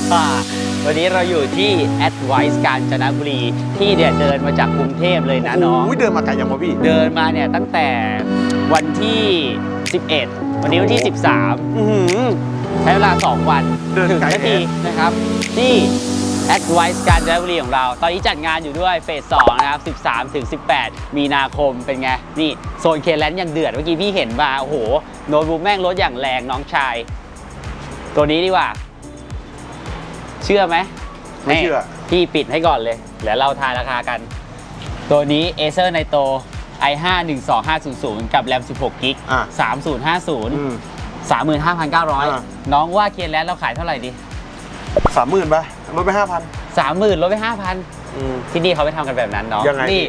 วันนี้เราอยู่ที่ Advice กาญจนบุรีที่เดินมาจากกรุงเทพเลยนะน้องเดินมาไกลยังวะพี่เดินมาเนี่ยตั้งแต่วันที่ 11 วันนี้วันที่ 13ใช้เวลา2 วันถึงนาทีนะครับที่ Advice กาญจนบุรีของเราตอนนี้จัดงานอยู่ด้วยเฟส 2 นะครับ 13-18 มีนาคมเป็นไงนี่โซนเคแลนด์ยังเดือดเมื่อกี้พี่เห็นมาโอ้โหโน้ตบุ๊กแม่งรถอย่างแรงน้องชายตัวนี้ดีกว่าเชื่อไหมไม่เชื่อพี่ปิดให้ก่อนเลยแล้วเราทายราคากันตัวนี้ Acer Nitro i5 12500 กับ RAM 16 GB 3050 35,900 น้องว่าเคลียร์แล้วเราขายเท่าไหร่ดี 30,000ป่ะลดไป 5,000 30,000ลดไป 5,000 ที่นี่เขาไปทำกันแบบนั้นเนาะยังไงนี่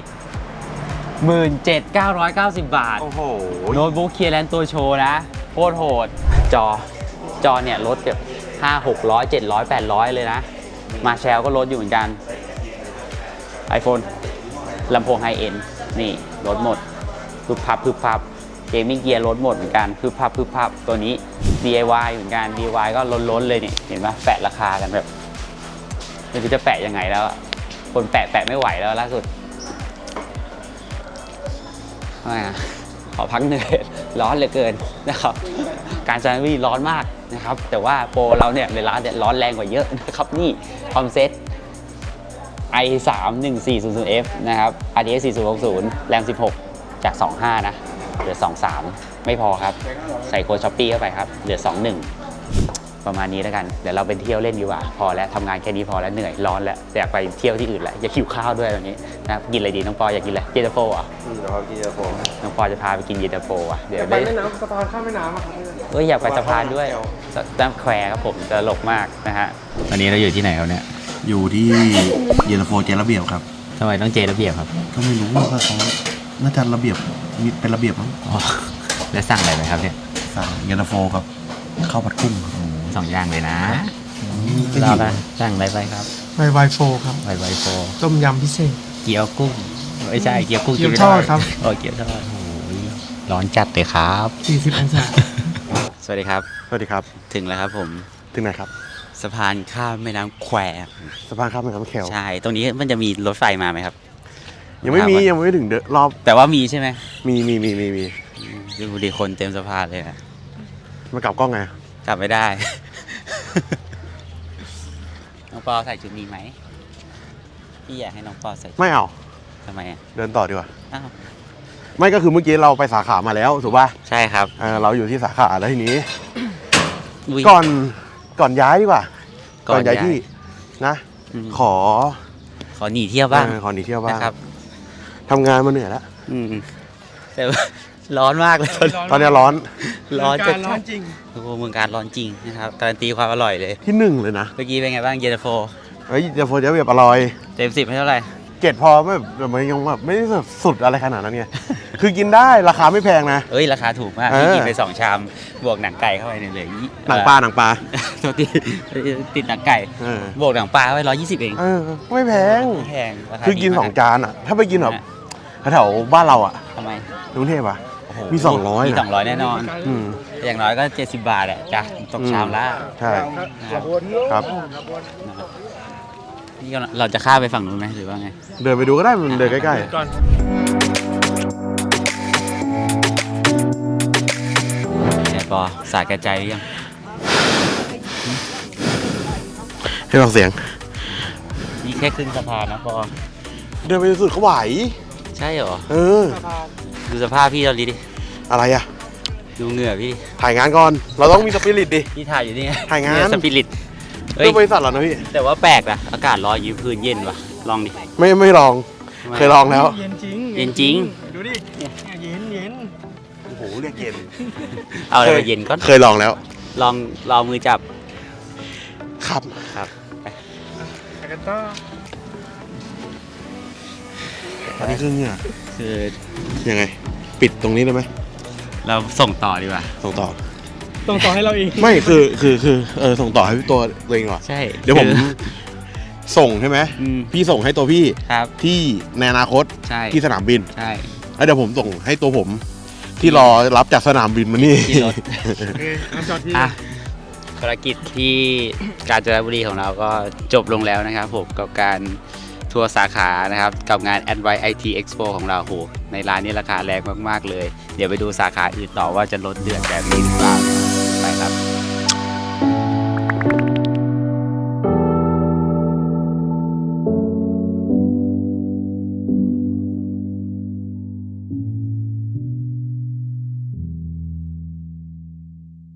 17,990 บาทโอ้โหโน้ตบุ๊กเคลียร์แลนด์ตัวโชว์นะโคตรโหดจอเนี่ยลดแบบ500 600 700 800เลยนะมาแชลก็ลดอยู่เหมือนกัน iPhone ลำโพงไฮเอ็นนี่ลดหมดพึบพับเกมมิ่งเกียร์ลดหมดเหมือนกันพึบพับตัวนี้ DIY เหมือนกัน DIY ก็ล้นเลยนี่เห็นไหมแปะราคากันแบบไม่รู้จะแปะยังไงแล้วคนแปะไม่ไหวแล้วล่าสุดขอพักเหนื่อยร้อนเหลือเกินนะครับการจนบุรีร้อนมากนะครับแต่ว่าโปรเราเนี่ยในร้านเนี่ยร้อนแรงกว่าเยอะนะครับนี่คอมเซ็ต i3 1400F นะครับ RTX 4060 RAM 16 จาก 25 นะเหลือ 23 ไม่พอครับใส่โค้ด Shopee เข้าไปครับเหลือ 21 ประมาณนี้แล้วกันเดี๋ยวเราไปเที่ยวเล่นดีกว่าพอแล้วทำงานแค่นี้พอแล้วเหนื่อยร้อนแล้วอยากไปเที่ยวที่อื่นแล้วอยากหิวข้าวด้วยแบบนี้นะกินอะไรดีน้องปออยากกินอะไรเย็นตาโฟอ่ะเดี๋ยวกินเย็นตาโฟน้องปอจะพาไปกินเย็นตาโฟอ่ะเดี๋ยวไปแม่น้ำสะพานข้ามแม่น้ำครับอยากไปสะพานด้วยน้ำแควครับผมตลกมากนะฮะวันนี้เราอยู่ที่ไหนครับเนี่ยอยู่ที่เย็นตาโฟเจระเบียบครับทำไมต้องเจระเบียบครับก็ไม่รู้ว่าเขาน่าจะระเบียบมีเป็นระเบียบมั้งแล้วสั่งอะไรไหมครับเนี่ยสั่งเย็นตาโฟครับข้าวผัดกุ้ง 2 อย่างเลยนะเราละสั่งอะไรไปครับไวโฟครับไวโฟต้มยำพิเศษเกี๊ยวกุ้งไม่ใช่เกี๊ยวกุ้งเกี๊ยวทอดครับเกี๊ยวทอดโอ้ยร้อนจัดเลยครับ 40 องศาสวัสดีครับสวัสดีครับถึงแล้วครับผมถึงไหนครับสะพานข้ามแม่น้ำแควสะพานข้ามแม่น้ำแควใช่ตรงนี้มันจะมีรถไฟมาไหมครับยังไม่ถึงรอบแต่ว่ามีใช่ไหมมีดูดิคนเต็มสะพานเลยนะมากลับกล้องไงกลับไม่ได้น้องปอใส่ชุดนี้ไหมพี่อยากให้น้องปอใส่ไม่เอาทำไมเดินต่อดีกว่าไม่ก็คือเมื่อกี้เราไปสาขามาแล้วถูกป่ะใช่ครับเราอยู่ที่สาขาแล้วทีนี้ก่อนย้ายดีกว่าก่อนย้ายที่นะขอหนีเที่ยวบ้างขอหนีเที่ยวบ้างครับทำงานมาเหนื่อยแล้วแต่ร้อนมากเลยตอนนี้ร้อนจริงโอ้เมืองการร้อนจริงนะครับการันตีความอร่อยเลยที่1เลยนะเมื่อกี้เป็นไงบ้างเย็นตาโฟเย็นตาโฟจะแบบอร่อยเต็ม10ให้เท่าไหร่ 7พอไม่ยังแบบไม่ได้สุดอะไรขนาดนั้นไงคือกินได้ราคาไม่แพงนะราคาถูกมากพี่กินไป2 ชามบวกหนังไก่เข้าไปเนี่ยเลยหนังปลาตัวติดหนังไก่บวกหนังปลาไว้120เองไม่แพงคือกิน2 จานอ่ะถ้าไปกินแบบแถวบ้านเราอ่ะทำไมกรุงเทพอ่ะมี 200แน่นอนอย่างน้อยก็70 บาทอ่ะจ้ะตกชามละใช่ครับนี่เราจะข้ามไปฝั่งนู้นไหมหรือว่าไงเดินไปดูก็ได้มันเดินใกล้ๆเนี่ยปอสาแก่ใจหรือยังให้ฟังเสียงนี่แค่ครึ่งสะพานนะปอเดินไปสุดเขาไหวใช่เหรอดูสภาพพี่ตอนนี้ดิอะไรอ่ะดูเหงื่อพี่ถ่ายงานก่อนเราต้องมีสปิริตดิพี่ถ่ายอยู่นี่ถ่ายงานสปิริตเรื่องบริษัทเหรอนะพี่แต่ว่าแปลกนะอากาศร้อนยืนพื้นเย็นว่ะลองดิไม่ลองเคยลองแล้วเย็นจริงดูดิเย็นโอ้โหเรียกเย็นเอาอะไรมาเย็นก็เคยลองแล้วลองมือจับครับไปกันต่ออันนี้คือเนี่ยคือยังไงปิดตรงนี้ได้ไหมเราส่งต่อดีกว่าส่งต่อให้เราเองไม่คือส่งต่อให้ตัวเองก่อนใช่เดี๋ยวผมส่งใช่ไหมพี่ส่งให้ตัวพี่ที่ในอนาคตที่สนามบินใช่แล้วเดี๋ยวผมส่งให้ตัวผมที่รอรับจากสนามบินมานี่จอดที่ภารกิจที่กาญจนบุรีของเราก็จบลงแล้วนะครับผมกับการทัวร์สาขานะครับกับงาน Advice IT Expo ของเราโหในร้านนี้ราคาแรงมากๆเลย เดี๋ยวไปดูสาขาอื่นต่อว่าจะลดเดือดแบบนี้หรือเปล่า